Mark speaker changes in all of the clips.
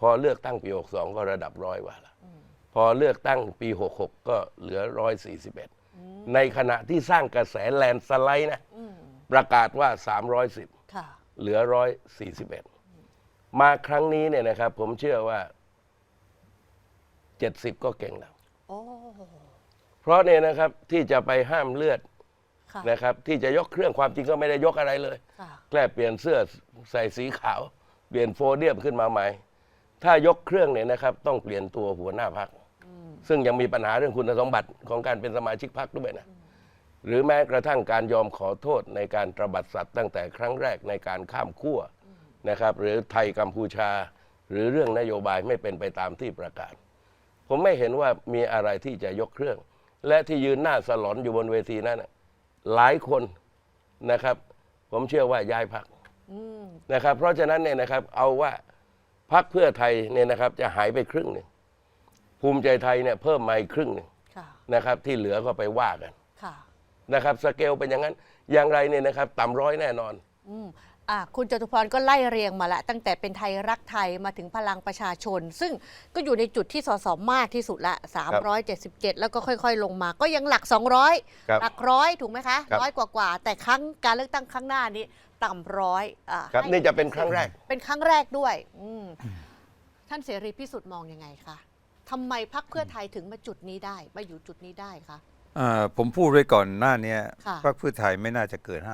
Speaker 1: พอเลือกตั้งปี62ก็ระดับ100 กว่าละพอเลือกตั้งปี66ก็เหลือ141ในขณะที่สร้างกระแสแลนด์สไลด์นะประกาศว่า310เหลือ141มาครั้งนี้เนี่ยนะครับผมเชื่อว่า70ก็เก่งแล้วเพราะเนี่ยนะครับที่จะไปห้ามเลือดนะครับที่จะยกเครื่องความจริงก็ไม่ได้ยกอะไรเลยแค่เปลี่ยนเสื้อใส่สีขาวเปลี่ยนโฟเดียมขึ้นมาใหม่ถ้ายกเครื่องเนี่ยนะครับต้องเปลี่ยนตัวหัวหน้าพรรคซึ่งยังมีปัญหาเรื่องคุณสมบัติของการเป็นสมาชิกพรรคด้วยนะหรือแม้กระทั่งการยอมขอโทษในการตบัดสัตว์ตั้งแต่ครั้งแรกในการข้ามขั้วนะครับหรือไทยกัมพูชาหรือเรื่องนโยบายไม่เป็นไปตามที่ประกาศผมไม่เห็นว่ามีอะไรที่จะยกเครื่องและที่ยืนหน้าสลอนอยู่บนเวทีนั้นหลายคนนะครับผมเชื่อว่าย้ายพรรคนะครับเพราะฉะนั้นเนี่ยนะครับเอาว่าพรรคเพื่อไทยเนี่ยนะครับจะหายไปครึ่งหนึ่งภูมิใจไทยเนี่ยเพิ่มมาอีกครึ่งหนึ่งนะครับที่เหลือก็ไปว่ากันนะครับสเกลเป็นอย่างนั้นอย่างไรเนี่ยนะครับต่ำร้อยแน่นอน
Speaker 2: คุณจตุพรก็ไล่เรียงมาละตั้งแต่เป็นไทยรักไทยมาถึงพลังประชาชนซึ่งก็อยู่ในจุดที่สสมากที่สุดละ377แล้วก็ค่อยๆลงมาก็ยังหลัก200หลักร้อยถูกไหมคะร้อยกว่าแต่ครั้งการเลือกตั้งครั้งหน้านี้ต่ำร้อย
Speaker 1: ครับนี่จะเป็นครั้งแรก
Speaker 2: เป็นครั้งแรกด้วยท่านเสรีพิสุทธิ์มองยังไงคะทำไมพรรคเพื่อไทยถึงมาจุดนี้ได้มาอยู่จุดนี้ได้คะ
Speaker 3: ผมพูดไว้ก่อนหน้านี้พรรคเพื่อไทยไม่น่าจะเกิน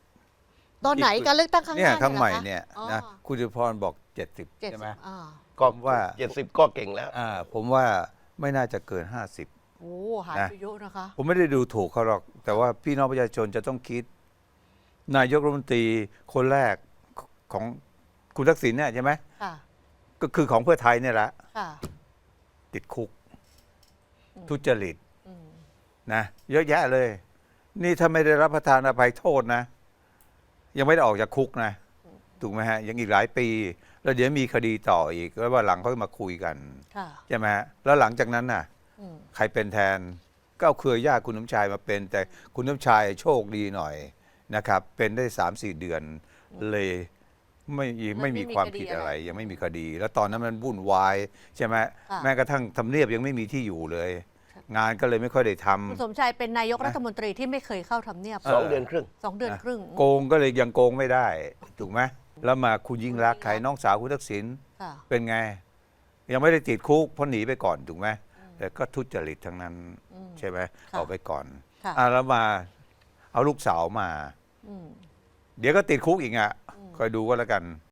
Speaker 3: 50
Speaker 2: ตอนไหนการเลือกตั้งครั้งหน้า
Speaker 3: ครั้งใหม่เนี่ยนะคุณจตุพรบอก70ใช่ไหม
Speaker 1: ก็ว่า70ก็เก่งแล้ว
Speaker 3: ผมว่าไม่น่าจะเกิน50
Speaker 2: โอ้หายไปเยอะนะคะ
Speaker 3: ผมไม่ได้ดูถูกเขาหรอกแต่ว่าพี่น้องประชาชนจะต้องคิดนายกรัฐมนตรีคนแรกของคุณทักษิณเนี่ยใช่ไหมก็คือของเพื่อไทยเนี่ยแหละติดคุกทุจริตนะเยอะแยะเลยนี่ถ้าไม่ได้รับประทานอภัยโทษนะยังไม่ได้ออกจากคุกนะถูกไหมฮะยังอีกหลายปีแล้วเดี๋ยวมีคดีต่ออีกแล้วว่าหลังเขามาคุยกันใช่ไหมฮะแล้วหลังจากนั้นน่ะใครเป็นแทนก็เอาเครือญาติคุณน้ำชายมาเป็นแต่คุณน้ำชายโชคดีหน่อยนะครับเป็นได้3-4 เดือนเลยไม่มีความผิดอะไรยังไม่มีคดีแล้วตอนนั้นมันวุ่นวายใช่ไหมแม้กระทั่งทำเนียบยังไม่มีที่อยู่เลยงานก็เลยไม่ค่อยได้ทำ
Speaker 2: คุณสมชายเป็นนายกรัฐมนตรีที่ไม่เคยเข้าทำเนียบ
Speaker 1: 2 เดือนครึ่ง
Speaker 2: 2 เดือนครึ่ง
Speaker 3: โกงก็เลยยังโกงไม่ได้ถูกไหมแล้วมาคุณยิ่งรักใครน้องสาวคุณทักษิณเป็นไงยังไม่ได้ติดคุกเพราะหนีไปก่อนถูกไหมแต่ก็ทุจริตทั้งนั้นใช่ไหมเอาไปก่อนแล้วมาเอาลูกสาวมาเดี๋ยวก็ติดคุกอีกคอยดูก็แล้วกัน